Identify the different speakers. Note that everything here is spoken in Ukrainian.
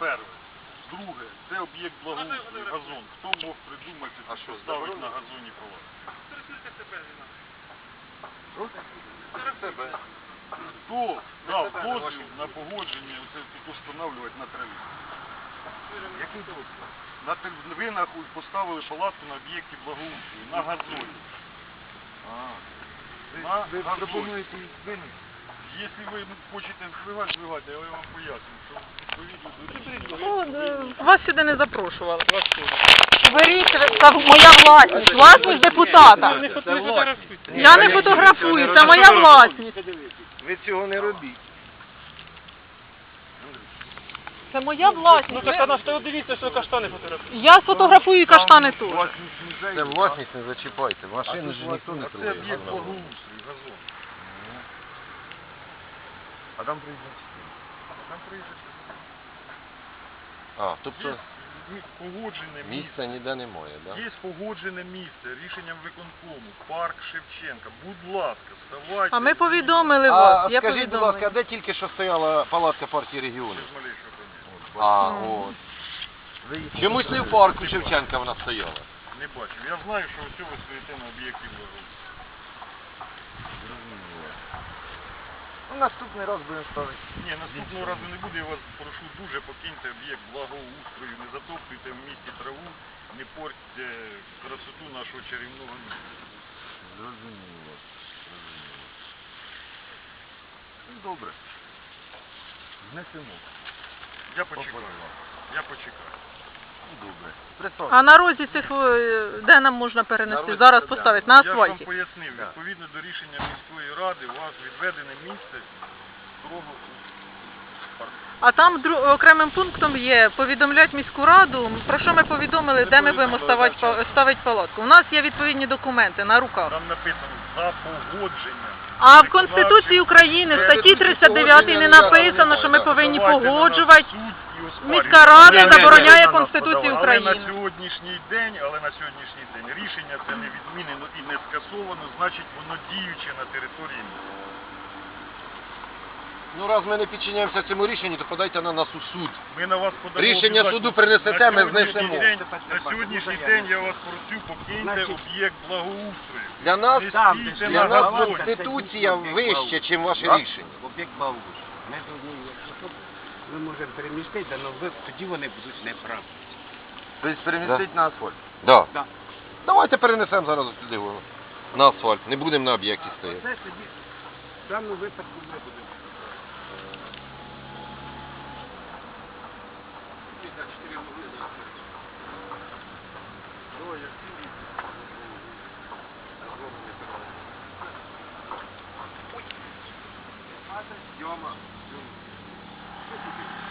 Speaker 1: перше. Друге, це об'єкт благоустрою, газон. Хто мог придумати, що ставить на газоні палатку?
Speaker 2: Себе.
Speaker 1: Хто дав дозвіл на погодження оце тут встановлювати на траві?
Speaker 2: Який дозвіл?
Speaker 1: Ви поставили палатку на об'єкті благоустрою, на газоні.
Speaker 2: Ви пропонуєте їх винести?
Speaker 1: Якщо ви хочете збивати, я вам поясню, що відповідно до
Speaker 3: Вас сюди не запрошували. Беріть, це моя власність, власність депутата. Я не фотографую, це моя власність.
Speaker 2: Ви цього не робіть.
Speaker 3: Це моя власність.
Speaker 4: Ну так вона ж дивіться, що каштани фотографують.
Speaker 3: Я сфотографую і каштани тут.
Speaker 2: Це власність не зачіпайте. Машини ж ніхто не
Speaker 1: Це
Speaker 2: трогає.
Speaker 1: об'єкт благоустрою, газон.
Speaker 2: А там приїжджає.
Speaker 1: Там приїжджає.
Speaker 2: А, тобто
Speaker 1: Є погоджене місце.
Speaker 2: місця ніде немає, так?
Speaker 1: Є погоджене місце рішенням виконкому, парк Шевченка. Будь ласка, ставайте.
Speaker 3: А ми повідомили
Speaker 2: А
Speaker 3: вас, я
Speaker 2: скажіть, будь ласка, а
Speaker 3: повідомила.
Speaker 2: де тільки що стояла палатка партії регіонів?
Speaker 1: Без малейшого поняття.
Speaker 2: А, от. Чомусь не в парку Шевченка вона стояла.
Speaker 1: Не бачив. Я знаю, що ось ви стоїте на об'єкті благоустрою.
Speaker 2: Ну, наступний раз будемо ставити.
Speaker 1: Ні, наступного разу не буде, я вас прошу дуже, покиньте об'єкт благоустрою, не затоптуйте в місті траву, не портьте красоту нашого чарівного міста.
Speaker 2: Зрозуміло. Ну, добре. Знесемо.
Speaker 1: Я почекаю. Я почекаю.
Speaker 2: Ну, добре.
Speaker 3: А на розі цих, де нам можна перенести?
Speaker 2: На
Speaker 3: Зараз
Speaker 2: розі,
Speaker 3: поставити, на
Speaker 1: Я ж вам
Speaker 3: асфальті.
Speaker 1: пояснив,
Speaker 2: Так.
Speaker 1: відповідно до рішення міської ради, у вас відведене місце строго парку.
Speaker 3: А там окремим пунктом є повідомляти міську раду, про що ми повідомили, де ми будемо ставити палатку. У нас є відповідні документи на руках.
Speaker 1: Там написано за погодженням.
Speaker 3: А в Конституції України в статті 39 не написано, що ми повинні погоджувати. Міська рада забороняє Конституцію
Speaker 1: Але
Speaker 3: України.
Speaker 1: на сьогоднішній день рішення це не відмінено і не скасовано, значить воно діюче на території міста.
Speaker 2: Ну, раз ми не підчиняємося цьому рішенню, то подайте на нас у суд.
Speaker 1: Ми на вас подамо
Speaker 2: Рішення
Speaker 1: обов'язково.
Speaker 2: суду принесете, ми знесемо.
Speaker 1: На сьогоднішній день я вас просю, покиньте об'єкт благоустрою.
Speaker 2: Для нас,
Speaker 1: Не стійте
Speaker 2: для
Speaker 1: на
Speaker 2: нас
Speaker 1: газоні.
Speaker 2: Конституція вища, ніж ваше рішення.
Speaker 5: Об'єкт благоустрою. Ми повинні, якщо ми можемо перемістити, але тоді вони будуть неправі.
Speaker 2: Тобто перемістити на асфальт? Так.
Speaker 5: Да.
Speaker 2: Давайте перенесемо зараз сюди на асфальт. Не будемо на об'єкті стояти.
Speaker 5: Це тоді в даному випадку ми будемо.
Speaker 2: Йома.